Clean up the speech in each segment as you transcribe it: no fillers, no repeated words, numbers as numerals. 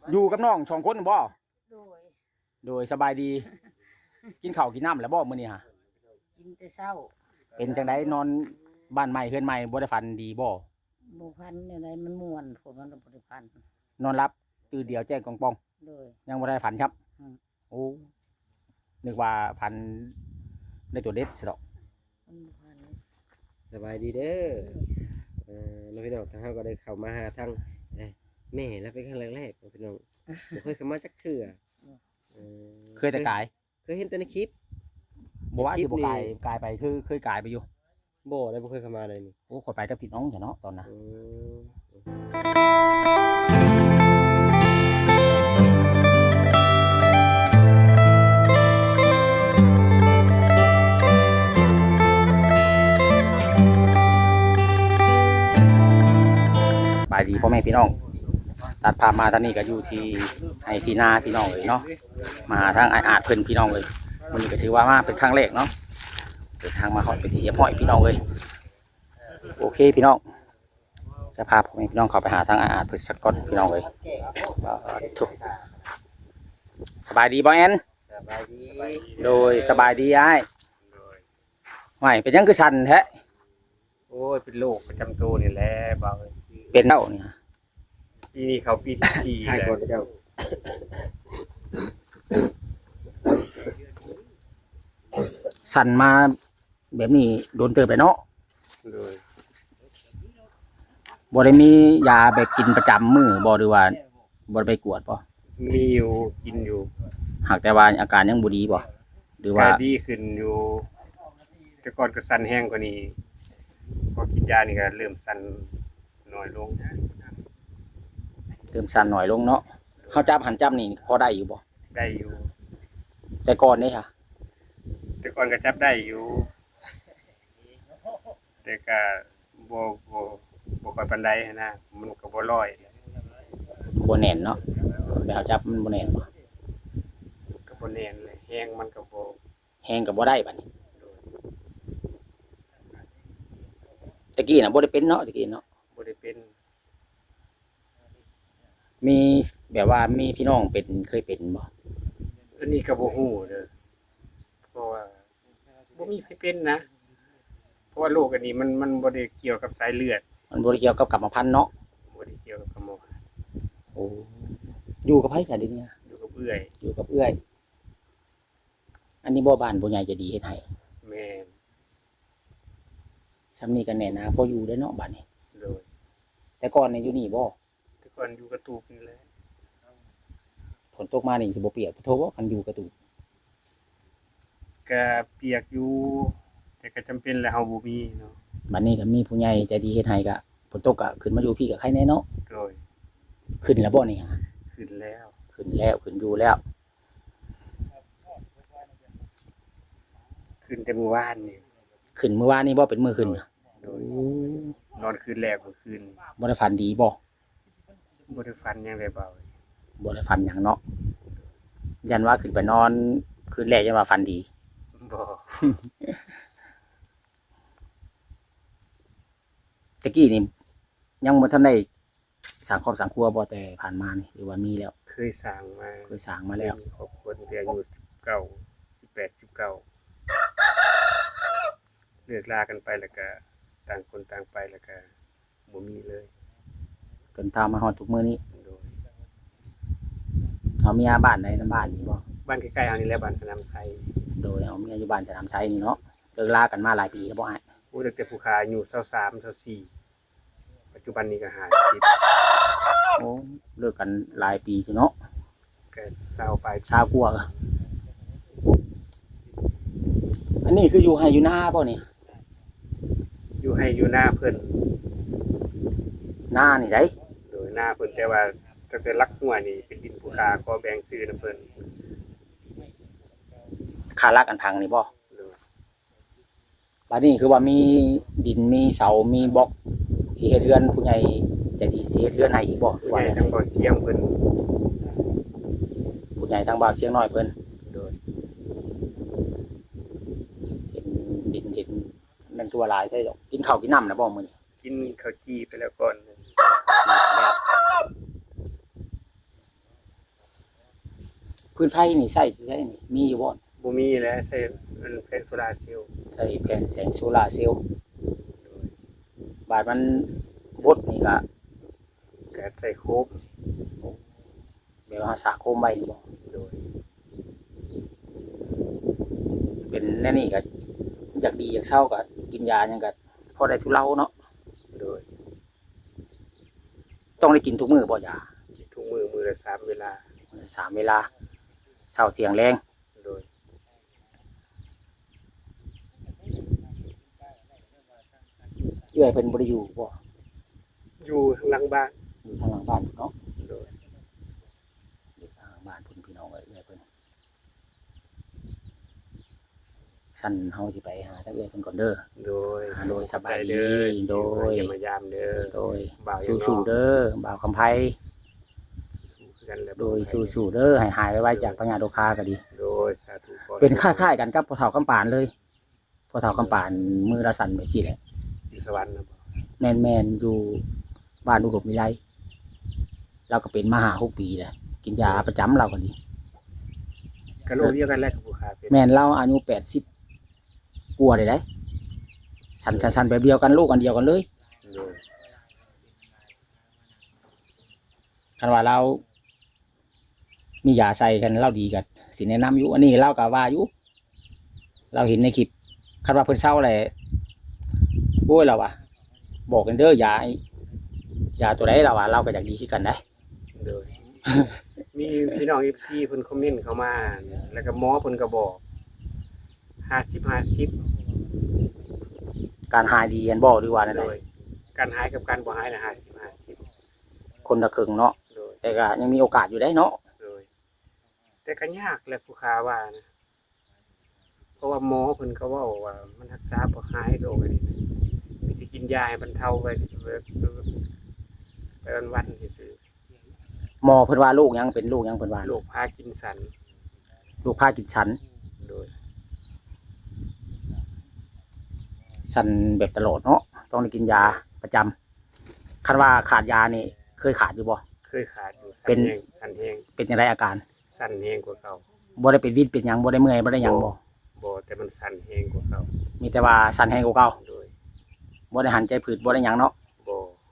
อยู่กับน้องสองคนบ่โดยโดยสบายดี กินข้าวกินน้ำแล้วบ่มื้อนี้ฮะกินแต่เช้าเป็นจังไดนอนบ้านใหม่เฮือนใหม่บ่ได้ฝันดีบ่บ่พันเนี่ยไรมันม่วนผลมันบ่ได้พันนอนรับตื่นเดียวแจ้งกองปองโดยยังบ่ได้ฝันครับอืมโอ้นึกว่าฝันได้ตัวเด็ดสิดอกมันบ่พันสบายดีเด้อแล้วพี่น้องทางเฮาก็ได้เข้ามาหาทางแม่แล้วเป็นครั้งแรกๆพี่น้องบ่เคยเข้ามาจักเทื่อเคยแต่กายเคยเห็นแต่ในคลิปบ่ว่าสิบ่กายไปคือเคยกายไปอยู่บ่ได้บ่เคยเข้ามาเลยนี่โอ้ข่อยไปกับพี่น้องจ้ะเนาะตอนน่ะบายดีพ่อแม่พี่น้องตัดภาพมาตอนนี้ก็อยู่ที่ให้ที่นาพี่น้องเลยเนาะมาทางอาจเพิ่นพี่น้องเลยวันนี้ก็ถือว่ามาเป็นครั้งแรกเนาะเดินทางมาฮอดไปที่เฮียพ่อยพี่น้องเลยโอเคพี่น้องจะพาพ่อแม่พี่น้องเข้าไปหาทางอาจเพิ่นสักก่อนพี่น้องเลยถูกสบายดีบ่แอนสบายดีโดยสบายดีอ้ายไม่เป็นยังคือชันแท้โอ้ยเป็นโรคประจำตัวนี่แหละบ่าวเป็นเล่านี่ปีนี้เขาปีที่4แล้วเจ้าสั่นมาแบบนี้โดนเติบไปเนาะโดยบ่ได้มียาแบบกินประจำมื้อบ่หรือว่าบ่ได้ไปกวดบ่มีอยู่กินอยู่หากแต่ว่าอาการยังบ่ดีบ่หรือว่าดีขึ้นอยู่แต่ก่อนก็สั่นแห้งกว่านี้พอกินยานี่ก็เริ่มสั่นน้อยลงเติมสั่นหน่อยลงเนาะเฮาจับหันจับนี่พอได้อยู่บ่ได้อยู่แต่ก่อนนี่ค่ะแต่ก่อนก็จับได้อยู่แต่ก็บ่ค่อยปานใดนะมันก็บ่ร้อยบ่แน่นเนาะแบบจับมันบ่แน่นบ่ก็บ่แน่นเลยแห้งมันก็บ่แฮงก็บ่ได้บัดนี้ตะกี้น่ะบ่ได้เป็นเนาะตะกี้เนาะบ่ได้เป็นมีแบบว่ามีพี่น้องเป็นเคยเป็นบ่อันนี้ก็บ่ฮู้เด้อเพราะว่าบ่มีใครเป็นนะเพราะว่าโรคอันนี้มันบ่ได้เกี่ยวกับสายเลือดมันบ่ได้เกี่ยวกับกรรมพันธุ์เนาะบ่ได้เกี่ยวกับกรรมพันธุ์โอ้อยู่กับไผซะเดี๋ยวนี้อยู่กับเอื้อยอยู่กับเอื้อยอันนี้บ่บ้านบ่ใหญ่จะดีเฮ็ดให้แม่นซำนี้ก็แน่นะพออยู่ได้เนาะบัดนี้โดยแต่ก่อนนี่อยู่นี่บ่แต่ก่อนอยู่กระตูบนี่แหละฝนตกมานี่สิบ่เปียกโทบ่คันอยู่กระตูบก็เปียกอยู่แต่ก็จำเป็นแหละเฮาบ่มีเนาะบัดนี้ก็มีผู้ใหญ่ใจดีเฮ็ดให้ก็ฝนตกก็ขึ้นมาอยู่พี่ก็ใครแน่เนาะโดยขึ้นแล้วบ่นี่ฮะขึ้นแล้วขึ้นอยู่แล้วขึ้นแต่มื้อวานนี่ขึ้นเมื่อวานนี้บ่เป็นมื้อขึ้นโดยนอนคืนแรกเมื่อคืนบ่ได้ฝันดีบ่บ่ได้ฝันหยังเลยเบาบ่ได้ฝันหยังเนาะยันว่าขึ้นไปนอนคืนแรกยันว่าฝันดีบ่ตะกี้นี่ยังบ่ทันได้สร้างครอบสร้างครัวบ่แต่ผ่านมานี่หรือว่ามีแล้วเคยสร้างมาแล้วครอบครัวตั้งแต่อายุ19 18 19เลิกลากันไปแล้วก็ต่างคนต่างไปแล้วก็บ่มีเลยจนตามมาฮอดทุกมื้อนี้โดยเอาเมียบ้านใดนำบ้านนี่บ่บ้านใกล้ๆเฮานี่แหละบ้านสนามไซโดยเอาเมียอยู่บ้านสนามไซนี่เนาะเลิกลากันมาหลายปีแล้วบ่อ้ายโอ้ตั้งแต่ผู้ขาอายุ23 24ปัจจุบันนี้ก็50 โอ้เลิกกันหลายปีซิเนาะก็20ไป 20กว่าอันนี้คืออยู่ไร่อยู่นาบ่นี่อยู่ให้อยู่หน้าเพิ่นนานี่ได้โดยหน้าเพิ่นแต่ว่าตั้งแต่ลักหัวนี่เป็นดินผู้ขาขอแบ่งซื้อนำเพิ่นค่ารักอันพังนี่บ่บัดนี้คือว่ามีดินมีเสามีบล็อกสิเฮ็ดเรือนผู้ใหญ่ใจดีสิเฮ็ดเรือนให้อีกบ่ว่าทางบ่เสียงเพิ่นผู้ใหญ่ทางบ่าวเสียงน้อยเพิ่นโดยเห็นมันตัวหลายใช่ดอกกินข้าวกินน้ำนะบ่มื้อนี้กินข้าวจี้ไปแล้วก่อนพื้นไฟนี่ใช้นี่มีอยู่บ่บ่มีแล้วใช้มันแผงโซลาร์เซลล์ใส่แผ่นแสงโซลาร์เซลล์บาดมันบดนี่ก็ก็ใส่โคบแบบว่าสาโคมไว้นี่บ่โดยเป็นแน่นี่ก็อยากดีอยากเศร้าก็กินยาหยังก็พอได้ทุเลาเนาะโดยต้องได้กินทุกมื้อบ่ยาทุกมื้อละ3เวลามื้อละ3เวลาเช้าเที่ยงแลงโดยเอื้อยเพิ่นบ่ได้อยู่บ่อยู่ข้างหลังบ้านอยู่ทางหลังบ้านเนาะโดยอยู่ทางหลังบ้านพุ่นพี่น้องเอื้อยเพิ่นสั่นเฮาสิไปหาทางเอื้อยเพิ่นก่อนเด้อโดยโดยสบายไปดีเด้อโดยอย่ามายามเด้อโดยบ่าวยังน้อยสู้ๆเด้อบ่าวคำไผสู้คือกันแหละโดยสู้ๆเด้อให้หายไวๆจากปัญญาโรคาก็ดีโดยสาธุขอเป็นคล้ายๆกันกับพ่อเฒ่าคำปานเลยพ่อเฒ่าคำปานมือละสั่นแบบนี้แหละอยู่สวรรค์นะบ่แม่นๆอยู่บ้านอุดมวิไลเราก็เป็นมาหา6 ปีแล้วกินยาประจำเราก็ดีกะโลกเดียวกันแหละกับผู้ค้าเป็นแม่นเราอายุ80กว่าได้สั่นๆแบบเดียวกันลูกอันเดียวกันเลยโดยคันว่าเรามียาใส่กันเราดีกันสิแนะนำอยู่อันนี้เราก็ว่าอยู่เราเห็นในคลิปคันว่าเพิ่นเศร้าแหละโอ้ยเราว่ะบอกกันเด้อยาตัวใดเราว่าเราก็อยากดีคือกันได้โดย มีพี่น้อง FC เพิ่นคอมเมนต์เข้ามา แล้วก็หมอเพิ่นก็บอก50-50 การหายดีกันบ่หรือว่านั่นโดแหยละการหายกับการบ่หายน่ะ50-50 คนละครึ่งเนาะโดยแต่ก็ยังมีโอกาสอยู่ได้เนาะโดย แต่ก็ยากแหละผู้ค้าว่านะ เพราะว่าหมอเพิ่นก็เว้าว่ามันรักษาบ่หายโรคอันนี้นะมีแต่กินยาให้บรรเทาไปวันๆซื่อหมอเพิ่นว่าลูกยังเป็นลูกยังเพิ่นว่าๆโรคพาร์กินสันลูกพากินสันโดยสันแบบตลอดเนาะต้องได้กินยาประจำคันว่าขาดยานี่เคยขาดอยู่บ่เคยขาดอยู่เป็นสันแห้งเป็นจังไดอาการสันแห้งกว่าเก่าบ่ได้เป็นวิตเป็นหยังบ่ได้เมื่อยบ่ได้หยังบ่บ่แต่มันสันแห้งกว่าเก่ามีแต่ว่าสันแห้งกว่าเก่าโดยบ่ได้หันใจผืดบ่ได้หยังเนาะบ่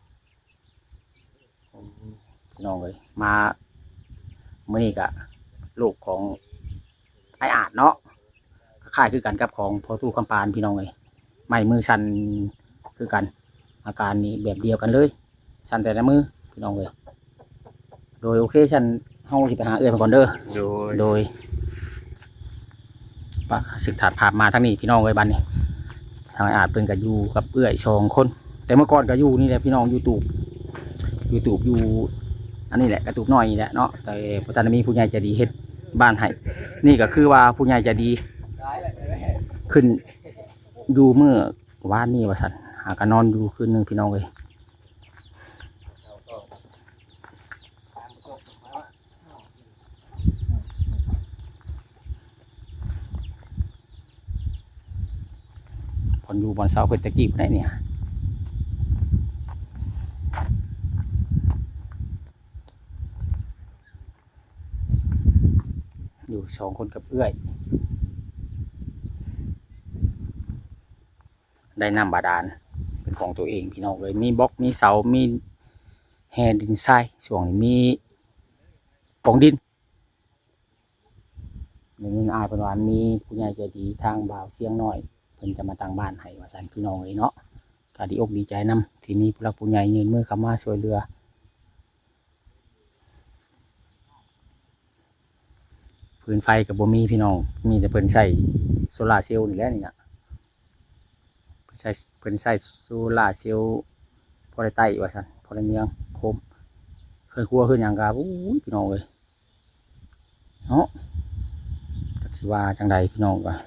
พี่น้องเอ้ยมามื้อนี้ก็ลูกของไอ้อาจเนาะคล้ายๆคือกันกับของพ่อตู้คำปานพี่น้องเอ้ยไม้มือสั่นคือกัน อาการนี้แบบเดียวกันเลยสั่นแต่ละมือพี่น้องเอ้ยโดยโอเคฉันเฮาสิไปหาเอื้อยเพิ่นก่อนเด้อ โดยปะศึกถาดภาพมาทั้งนี้พี่น้องเอ้ยบัดนี้ทางไอ้อาจเพิ่นก็อยู่กับเอื้อย2 คน แต่เมื่อก่อนก็อยู่นี่แหละพี่น้องYouTube อยู่อันนี้แหละกระตูบน้อยนี่แหละเนาะแต่พระท่านมีผู้ใหญ่ใจดีเฮ็ดบ้านให้นี่ก็คือว่าผู้ใหญ่ใจดีขึ้นอยู่เมื่อวานนี้ว่าซั่นหากันนอนอยู่คืนนึงพี่น้องเอ้ยพอนอยู่บอนเสาเพิ่นตะกี้พุ่นได้เนี่ยอยู่2 คนกับเอื้อยได้น้ำบาดาลเป็นของตัวเองพี่น้องเลยมีบล็อกมีเสามีแฮดินทรายช่วงนี้มีปองดินในนี้อายเป็นว่ามีผู้ใหญ่ใจดีทางบ่าวเสียงน้อยเพิ่นจะมาตั้งบ้านให้ว่าซั่นพี่น้องเลยเนาะก็ดีอกดีใจนํที่มีผู้หลักผู้ใหญ่ยืนมือเข้ามาช่วยเหลือพื้นไฟกับบ่มีพี่น้องมีแต่เพิ่นใช้โซลาร์เซลล์นี่แหละนี่น่ะเพิ่นใช้โซลาร์เซลล์พอได้ไต้ว่าซั่นพอได้เนียงโคมเคยครัวขึ้นหยังก็อู้ยพี่น้องเอ้ยเนาะจักสิว่าจังใดพี่น้องว่า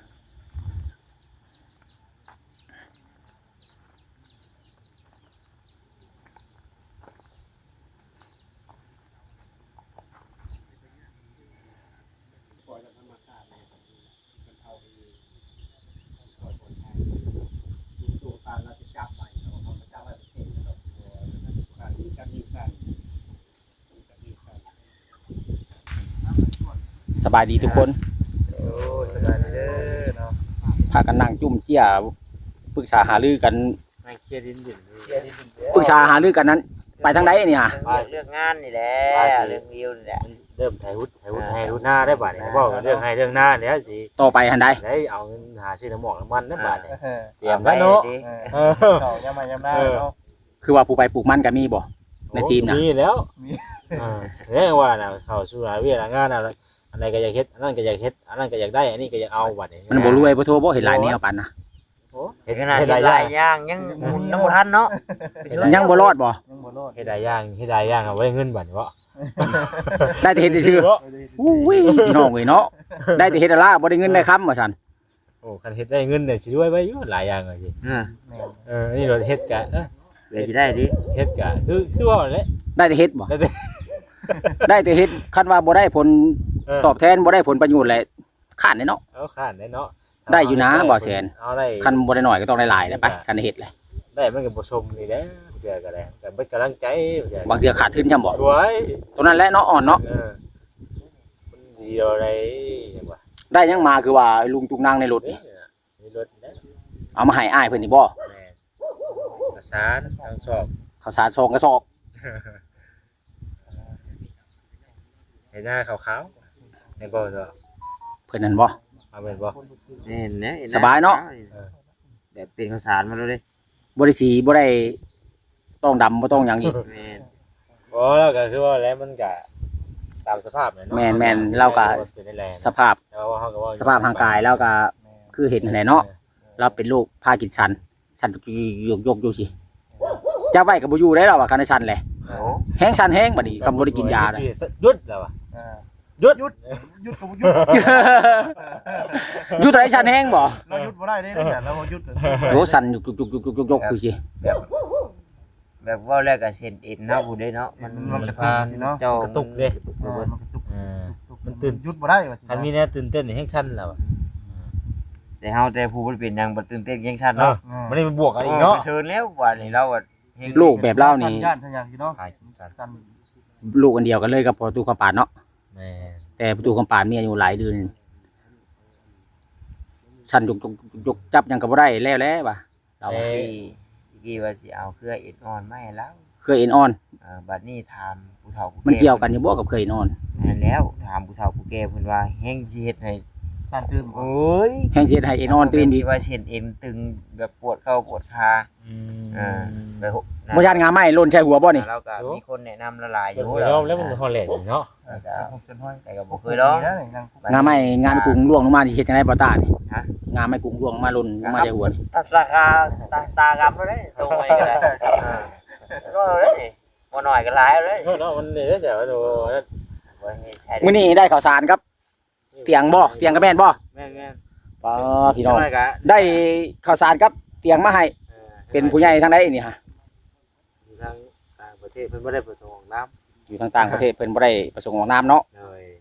สสบายดีทุกคนโอ้สบายดีเด้อเนาะพากันนั่งจุ่มเจี้ยปรึกษาหารือกันนั่งเคลียร์ดินปรึกษาหารือกันนั้น ไปทางใดนี่ฮะเรื่องงานนี่แหละเรื่องวิวนี่แหละเริ่มไถหุดให้หุดหน้าได้บัดนี้บอกเรื่องให้เรื่องหน้าเนี่ยสิต่อไปหันใดได้เอาเงินหาซื้อน้ำหมอกน้ำมันนะบัดนี้เตเตรียมไว้เนาะ เออเขายามมายามหน้าเนาะคือว่าผู้ไปปลูกมันก็มีบ่ ในทีมน่ะมีแล้วมีเนี่ยว่าน่ะเข้าสู่หาเวียงานน่ะอันใดก็อยากเฮ็ดอันนั้นก็อยากเฮ็ดอันนั้นก็อยากได้อันนี้ก็อยากเอาบัดนี้มันบ่รวยบ่โทบ่เห็นหลายแนวปันนะเฮ็ดขนาดเฮ็ดหหลายอลาย่างยอย่างยังหมุนน้ำบ่ทันเนาะยังบ่รอดบ่ยังบ่รอดเฮ็ดหลายอย่างเอาไว้เงินบัดนี้บ่ได้แต่เฮ็ดชื่อๆอุ้ยพี่น้องเอ้ยเนาะได้แต่เฮ็ดอะล่ะบ่ได้เงินได้คำว่าซั่นโอ้คันเฮ็ดได้เงินเนี่ยสิรวยไว้อยู่หลายอย่างเลยสิแม่นอันนี้เราเฮ็ดกะเดี๋ยวสิได้ดิเฮ็ดกะคือว่าแหละได้แต่เฮ็ดบ่ได้แต่ได้แต่เฮ็ดคันว่าบ่ได้ผลเออตอบแทนบ่ได้ผลประโยชน์แหละข้านเด้เนาะเอาข้านได้เนาะได้อยู่นะบ่แสนเอาได้คันบ่ได้น้อยก็ต้องได้หลายนะไปคันเฮ็ดแหละได้มันก็บ่ชมนี่แหละเดือก็ได้แต่เป็นกำลังใจบางเทื่อขาดทุนย่ำบ่รวยตัวนั้นแหละเนาะอ่อนเนาะมันดีอะไรอย่างว่าได้ยังมาคือว่าลุงตุงนางในรถนี่มีรถนะเอามาให้อ้ายเพิ่นนี่บ่แม่ประสานทางสอบข้าวสารซองกระสอบให้หน้าขาวๆให้บ่เนาะเพิ่นนั่นบ่เอาเป็นบ่เห็นนะสบายเนาะแบบเป็นข้าวสารมาแล้วดิบ่ได้สีบ่ได้ต้องดำบ่ต้องหยังอีกแม่นบ่แล้วก็คือว่าแล้วมันก็ตามสภาพเนาะแม่นเราก็เป็นได้แรงสภาพแต่ว่าเฮาก็ว่าสภาพร่างกายแล้วก็คือเห็นแหละเนาะเราเป็นโรคพากินชันชันยกอยู่สิจะไว้ก็บ่อยู่ได้แล้วว่าคันชันแหละโอ้แห้งชันแห้งบัดนี้ก็บ่ได้กินยาเลยหยุดแล้วว่ะอ่าหยุดหยุดก็บ่หยุดอยู่ตัวไหนชันแห้งบ่เราหยุดบ่ได้เด้เนี่ยเราบ่หยุดโหสั่นยกอยู่สิแบบว่าแรกก็เส้นเอ็นเนาะผู้ใดเนาะมันพาเจ้ากระตุกเด้มันกระตุกมันตื่นหยุดบ่ได้ว่าสิคันมีแน่ตื่นเต้นนี่แฮงชั้นแล้วอะแต่เฮาแต่ผู้บ่เป็นหยังบ่ตื่นเต้นยังชันเนาะมันได้บวกกันอีกเนาะเชิญแล้วว่านี่เราอ่ะลูกแบบเล่านี่ย่านทางอย่างที่เนาะพากินสัตว์จันลูกอันเดียวกันเลยกับประตูคำปานเนาะแม่แต่ประตูคำปานมีอายุหลายเดือนชันยกจับหยังก็บ่ได้แล้วว่ะเราที่ว่าสิเอาเครือเอ็นอ่อนมาให้แล้วเคยเอ็นออนบัดนี้ถามผู้เฒ่าผู้แก่มันเกี่ยวกันอยู่บ่กับเคยเอ็นออนนั่นแล้วถามผู้เฒ่าผู้แก่เพิ่นว่าแฮงสิเฮ็ดให้จันตื่นบ่โอ้ยแห้งเสียให้เอ็นออนตื่นอีกว่าเส้นเอ็นตึงแบบปวดเข้าปวดขาไปหกบ่ยานงาไม้หล่นใส่หัวบ่นี่เราก็มีคนแนะนำละลายออยู่ยู่ยอมแล้วมันฮอลแลนด์เนาะผมจนห้อยแต่ก็บ่เคยลองงาไม้งานกุ้งล่วงลงมานี่เฮ็ดจังได๋บ่ตานี่ฮะงาไม้กุ้งล่วงลงมาหล่นลงมาใส่หัวนี่ตากาตากำแล้วเด้ตรงไปก็ได้ก็เลยบ่น้อยก็หลายเลยเนาะมันเนี่ยจะว่าโดมื้อนี้ได้ข้าวสารครับเตียงบ่เตียงก็แม่นบ่แม่นป้าพี่น้องน้อยก็ได้ข้าวสารครับเตียงมาให้เป็นผู้ใหญ่ทางใดนี่ฮะทางต่างประเทศเพิ่นบ่ได้ประสงค์ของน้ำอยู่ทางต่างประเทศเพิ่นบ่ได้ประสงค์ออกนามเนาะเลย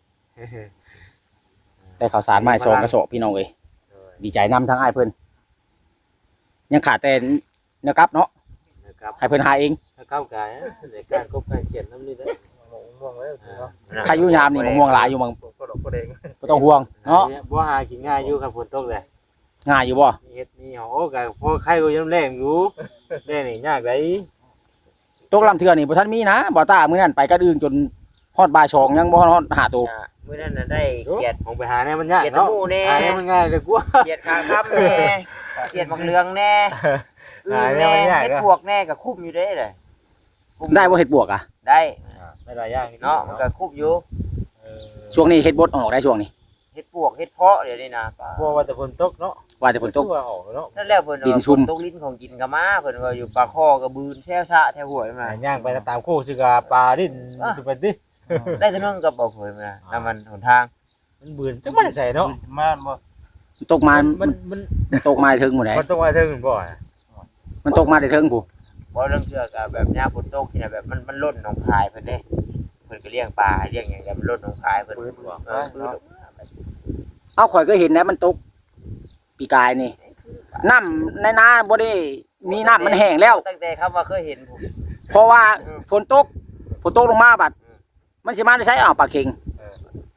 ได้ข้าวสารมาให้2กระสอบพี่น้องเอ้ยดีใจนำทางอ้ายเพิ่นยังขาดแต่เนื้อกลับเนาะนะครับให้เพิ่นหาเองถ้าก้าวไกลในการกบการเขียนน้ำนี่ได้ม่วงแล้วเนาะใครอยู่ยามนี่มะม่วงหลายอยู่บางก็ดอกก็แดงบ่ต้องห่วงเนาะบ่หากินง่ายอยู่ครับฝนตกเลยง่ายอยู่บ่มีเฮ็ดมีโอ้ก็พอใครก็ยังแรงอยู่แรงนี่ยากได้ตกลำเทื่อนี่บ่ทันมีนะบ่ตามื้อนั้นไปกระอื่นจนฮอดบ่าย2ยังบ่ฮอดหาตัวมื้อนั้นน่ะได้เกียรติผมไปหาแน่มันยากเกียรติเนาะหมู่แน่หาแน่มันง่ายเลยกว่าเกียรติขาค้ำแน่เกียรติบักเหลืองแน่แน่เฮ็ดพวกแน่ก็คุ้มอยู่เด้เลยได้บ่เฮ็ดบวกอ่ะได้ไม่หลายอย่างเนาะมันก็คุ้มอยู่ช่วงนี้เฮ็ดบดออกได้ช่วงนี้เฮ็ดพวกเฮ็ดเพาะเดี๋ยวนี้นะพวกว่าแต่ฝนตกเนาะว่าแต่ฝนตกว่าออกเนาะนั่นแหละเพิ่นดินชุ่มตกลิ้นของกินก็มาเพิ่นว่าอยู่ปลาคอกับบืนแช่ชะแถวห้วยมาย่างไปตามโคกสิกาปลาดิ้นดูไปดิได้แต่นึงก็บ่เคยมาน้ำมันหนทางมันเบื่อจังมันใส่เนาะม่านบ่ตกมามันตกมาถึงหมดไหนมันต้องว่าเทิงบ่อยมันตกมาได้ถึงผู้บ่เรื่องเชื่อก็แบบยามฝนตกที่น่ะแบบมันล้นหนองคายเพิ่นเด้เพิ่นก็เลี้ยงปลาเลี้ยงหยังก็มันล้นหนองคายเพิ่นปืนเอ้าข่อยก็เห็นนะมันตกปีกายนี่น้ำในนาบ่ได้มีน้ำมันแห้งแล้วตั้งแต่คำว่าเคยเห็นผมเพราะว่าฝนตกลงมาบัดมันสิมาได้ใช้อ้าวปลาเค็งเพราะ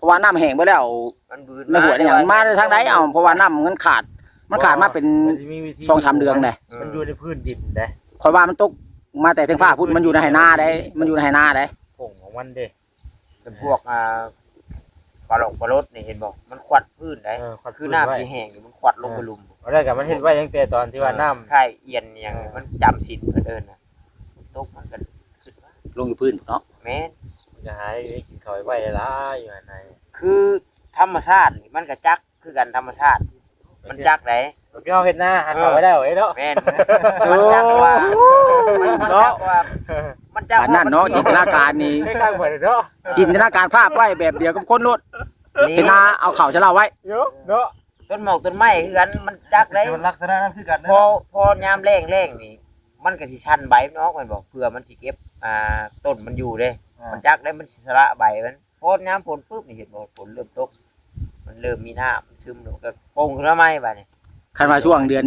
ะว่าน้ำแห้งไปแล้วมันบืนในหัวนี่หยังมาทางใดเอาเพราะว่าน้ำมันขาดมาเป็นมันสิมีวิธี 2-3 เดือนเลยมันอยู่ในพื้นดินได้ข่อยว่ามันตกมาแต่ทางฟ้าพุ่นมันอยู่ในไหนาได้มันอยู่ในไหนาได้ผงของมันเด้เป็นพวกปลาหลงปลารดนี่เห็นบ่มันควัดพื้นได้ขวัดคือน้ำที่แห้งนี่มันควัดลงไปลุมเอาได้กับมันเฮ็ดไว้ตั้งแต่ตอนที่ว่าน้ำใช่เอียนอย่างมันจำศีลเพิ่นเอิ้นน่ะตกมันก็ขึ้นมาลงอยู่พื้นเนาะแม่นมันจะหายกินข้าวไว้หลายอยู่อันไหนคือธรรมชาตินี่มันก็จักคือกันธรรมชาติ มันจักได้พี่เอาเฮ็ดหน้าหาข้าวไว้ได้ไว้เนาะแม่นมันจักว่ามันจักว่ามันจักอันนั้นเนาะจินตนาการนี่ให้ข้างไว้เนาะจินตนาการภาพไว้แบบเดียวกับคนรถเห็นนาเอาเข่าจะเล่าไว้เยอะเนาะต้นหมอกต้นไม้คือกันมันจักได้มันลักษณะนั้นคือกันพอยามแรงนี่มันก็สิชันใบเนาะมันบอกเพื่อมันสิเก็บต้นมันอยู่เด้ มันจักได้มันสิสละใบมันพอยามฝนปุ๊บนี่เห็นบ่ฝนเริ่มตกมันเริ่มมีน้ำซึมแล้วก็โป่งขึ้นมาใหม่บัดนี้คันว่าช่วงเดือน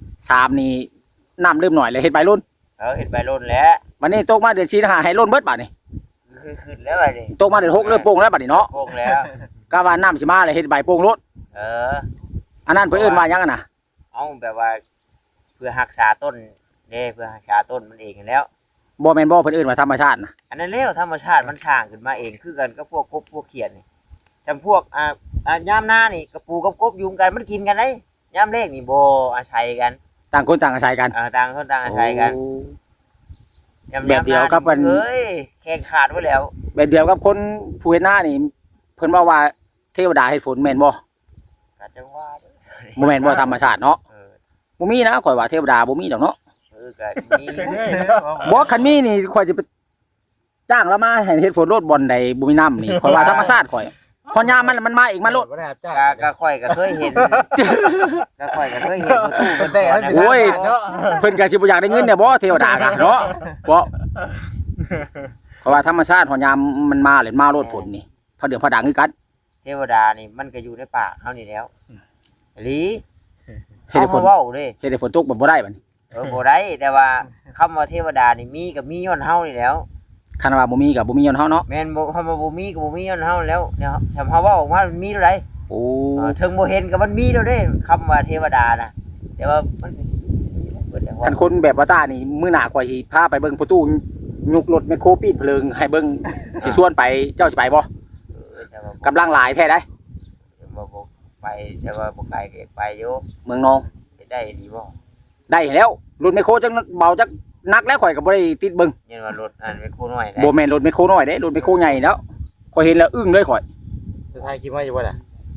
3นี่น้ำเริ่มหน่อยเลยเฮ็ดใบรุ่นเห็นใบร่นแล้ววันนี้ตกมาเดือน4หาให้รุ่นเบิดบัดนี่คือขึ้นแล้วบัดนี้ตกมาเดือน6เริ่มโป่งแล้วบัดนี้เนาะโป่งแล้วก็ว่าน้ำสิมาเลยเฮ็ดใบโป่งรถเอออันนั้นเพิ่นเอิ้นว่าหยังอะน่ะเอาแบบว่า เพื่อรักษาต้นเด้เพื่อรักษาต้นมันเองนั่นแล้วบ่แม่นบ่เพิ่นเอิ้นว่าธรรมชาตินะอันนั้นแล้วธรรมชาติมันสร้างขึ้นมาเองคือกันกับพวกกบพวกเขียดนี่จำพวกยามหน้านี่กระปูกับกบยุงกันมันกินกันได้ยามเลขนี่บ่อาศัยกันต่างคนต่างอาศัยกันต่างคนต่างอาศัยกันโอ้ยามแบบเดียวกับมันเฮ้ยแข่งขาดไว้แล้วแบบเดียวกับคนผู้เฮ็ดนานี่เพิ่นว่าเทวดาเฮ็ดฝนแม่นบ่ก็จังว่าเด้อบ่แม่นบ่ธรรมชาติเนาะเออบ่มีนะข่อยว่าเทวดาบ่มีดอกเนาะก็มีจังได๋เนาะบ่คันมีนี่ข่อยสิไปจ้างแล้วมาให้เฮ็ดฝนรถบ่อนใดบ่มีน้ำนี่ข่อยว่าธรรมชาติข่อยพอยามมันมาเองมันโลดบ่ได้รับจ้างก็ค่อยก็เคยเห็นก็ค่อยก็เคยเห็นประตูมันแต่ก่อนโอ้ยเนาะเพิ่นก็สิบ่อยากได้เงินเนี่ยบ่เทวดากะเนาะบ่ข่อยว่าธรรมชาติพอยามมันมาเลยมาโลดฝนนี่พอเดือดพอดังคือกันเทวดานี่มันก็อยู่ในป่าเฮานี่แล้วอีหลีเฮ็ดเฮาให้ฝนเว้าเด้เฮ็ดให้ฝนตกบ่ได้บัดนี้บ่ได้แต่ว่าคำว่าเทวดานี่มีก็มีย้อนเฮานี่แล้วคันว่าบ่มีก็บ่มีย้อนเฮาเนาะแม่นบ่คำว่าบ่มีก็บ่มีย้อนเฮาแล้วเนี่ยทำเฮาเว้าออกมามันมีเท่าใดโอ้ถึงบ่เห็นก็มันมีแล้วเด้คำว่าเทวดาน่ะแต่ว่ามันก็เบิดแต่ว่าคันคนแบบว่าตานี่มื้อหน้าข่อยสิพาไปเบิ่งประตูยุกรถแมคโครปีนเพลิงให้เบิ่งสิชวนไปเจ้าสิไปบ่แต่ว่ากำลังหลายแท้ได้บ่ไปแต่ว่าบ่ไกลก็อยากไปอยู่เมืองนองได้ดีบ่ได้แล้วรถแมคโครจังเบาจักนักแล้วข่อยก็บ่ได้ติดเบิ่งยันว่ารถอันเป็นคู่น้อยได้บ่แม่นรถแมคโครน้อยเด้รถแมคโครใหญ่แล้วข่อยเห็นแล้วอึ้งเลยข่อยจะทายคิดว่าอยู่บ่ล่ะ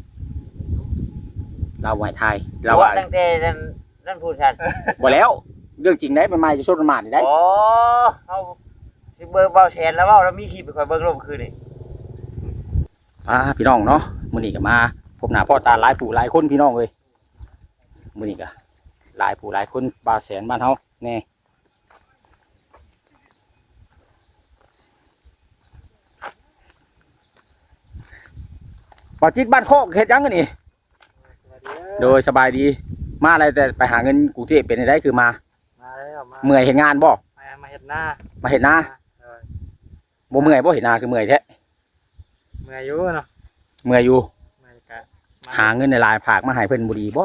เราไว้ทายเราเราว่าตั้งแต่นั่นพูดชันบ่แล้วเรื่องจริงได้มันมาจะชดมันมานี่ได้โอ้เฮาสิเบิ่งเบาแสนแล้วเว้าแล้วมีคลิปไปค่อยเบิ่งลงคืนนี่พี่น้องเนาะมื้อนี้ก็มาพบหน้าพ่อตาหลายผู้หลายคนพี่น้องเอ้ยมื้อนี้ก็หลายผู้หลายคนบาแสนบ้านเฮาแน่บ่จิตบ้านโคกเฮ็ดหยังกันนี่โดยสบายดีมาอะไรแต่ไปหาเงินกรุงเทพเป็นได้คือมามาแล้วมาเมื่อยเฮ็ดงานบ่มาเฮ็ดหน้ามาเฮ็ดนาบ่เมื่อยบ่เฮ็ดนาคือเมื่อยแท้เมื่อยอยู่เนาะเมื่อยอยู่เมื่อยกะหาเงินในลายฝากมาให้เพิ่นบ่ดีบ่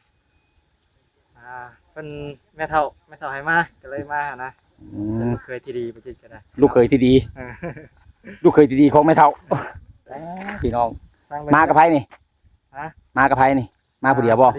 เพิ่นแม่เฒ่าให้มาก็เลยมาหานะอืมเคยที่ดีบ่จิตก็ได้ลูกเคยที่ดีเออลูกเคยที่ดีของแม่เฒ่าพี่น้องฟังไปมากับไผนี่ฮะมากับไผนี่ มาผู้เดียวบ่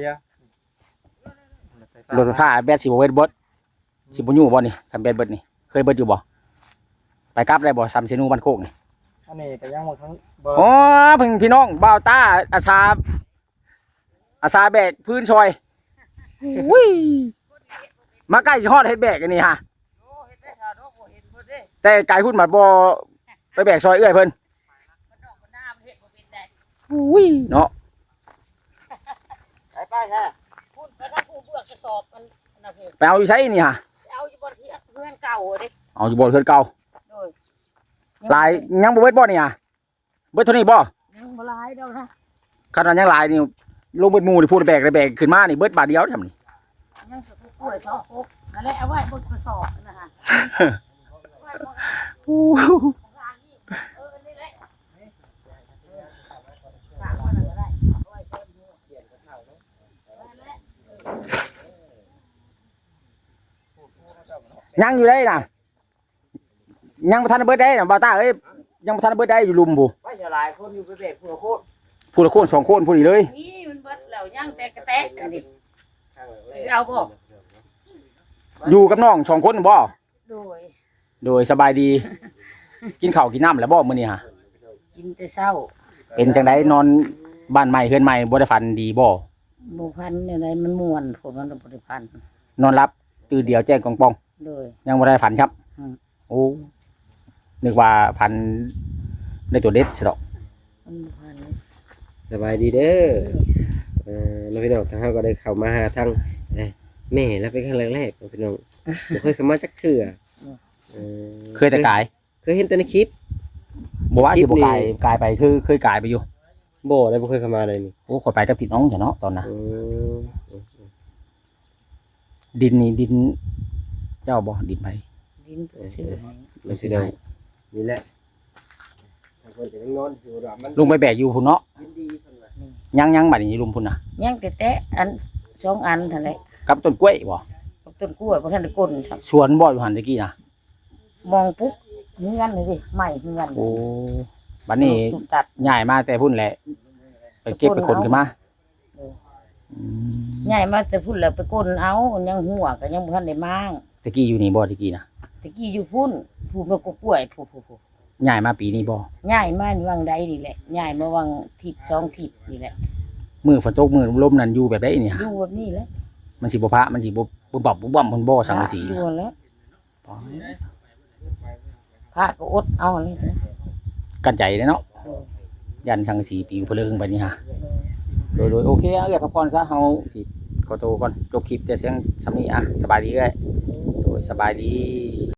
รถไฟฟ้าแบตสิบ่เบิดบ่สิบ่อยู่บ่นี่คันแบตเบิดนี่เคยเบิดอยู่บ่ไปกลับได้บ่ซ้ำเซนูบ้านโคกนี่อันนี้ก็ยังหมดทั้งเบอร์อ๋อเพิ่นพี่น้องบ่าวตาอาสาแบกพื้นซอยอุ้ยมาใกล้สิฮอดเฮ็ดแบกอันนี้ฮะแต่ไกลพุ่นบัดบ่ไปแบกซอยเอื้อยเพิ่นอุ้ยเนาะไปแท้พูดไปถ้าผู้เบื่อกระสอบมันนะพี่ไปเอาอยู่ใช้นี่ฮะเอาอยู่บนที่เพื่อนเก่าดิเอาอยู่บ่เพิ่นเก่าโดยหลายยังบ่เบิดบ่นี่ฮะเบิดเท่านี้บ่ยังบ่หลายดอกนะคันว่ายังหลายนี่ลงเบิดหมู่นี่พูดแบกได้แบกขึ้นมานี่เบิดบาทเดียวทำนี่ยังสุกล้วย2 6นั่นแหละเอาไว้บนกระสอบนะฮะไว้บนอู้ทางนี้นี่แหละยังอยู่ได้น่ะยังบ่ทันได้เบิดได้น่ะบ่าวตาเอ้ยยังบ่ทันได้เบิดได้อยู่ลุมผู้ไว้จะหลายคนอยู่ไปเบรกเพื่อโคตรผู้ละคนสองคนผู้นี้เลยนี่มันเบิดแล้วย่างแตกกระแตกอันนี้สิเอาบ่อยู่กับน้องสองคนบ่โดยโดยสบายดี กินข้าวกินน้ำแล้วบ่มื้อนี้ฮะกินแต่เช้าเป็นจังไดนอนบ้านใหม่เฮือนใหม่บ่ได้ฝันดีบ่บ่พันอะไรมันม่วนผลมันบ่ได้พันนอนรับตื่นเดียวแจ้งกองปองโดยยังบ่ได้ฝันครับอืมโอ้นึกว่าฝันได้ตัวเด็ดสิดอกมันบ่พันสบายดีเด้อแล้วพี่น้องทางเฮาก็ได้เข้ามาหาทางแม่แล้วเป็นครั้งแรกๆพี่น้องบ่เคยเข้ามาจักเทื่อเออเคยแต่กายเคยเห็นแต่ในคลิปบ่ว่าสิบ่คลิปนี้กายไปคือเคยกายไปอยู่บ่ได้บ่เคยเข้ามาเลยนี่โอ้ขอยไปกับติดน้องจ้ะเนาะตอนน่ะอืมดินนี่ดิน เจ้าบ่ดินไปดินชื่อให้ไม่สิได้นี่แหละทางคนจะนอนอยู่ว่ามันลุงไปแบกอยู่พุ่นเนาะยินดีเพิ่นว่ายังบัดนี้ลุงพุ่นน่ะย่างแต่อัน2อันเท่านั้นแหละกับต้นกล้วยบ่กับต้นกล้วยบ่ทันได้ก้นครับสวนบ่อยู่หั่นตะกี้น่ะมองปุ๊บเฮือนเลยดิใหม่เฮือนโอ้บัดนี้ถูกตัดย้ายมาแต่พุ่นแหละไปเก็บไปขนขึ้นมาเอออืมใหญ่มาแต่พุ่นแล้วไปก้นเอายังหัวก็ยังบ่ทันได้มางตะกี้อยู่นี่บ่ตะกี้น่ะตะกี้อยู่พุ่นพุ่นแล้วก็กล้วยพุ่นย้ายมาปีนี้บ่ย้ายมาวังใดนี่แหละย้ายมาวังทิศ2ทิศนี่แหละมื้อฝนตกมื้อลมนั่นอยู่แบบใดนี่อฮะยู่แบบนี้แหละมันสิบ่พระมันสิบ่บ่บ่เพิ่นบ่สังกะสีอยู่น่ะแล้ว พระก็อดเอาเลยนะกันใจเด้เนาะเออยันสังกะสีปิวเพลิงไปนี่ฮะโดยโอเคเอาเอ้ยพักผ่อนซะเฮาสิขอตัวก่อนจบคลิปแต่เสียงสำนี้อ่ะสบายดีเอ้ยโดยสบายดี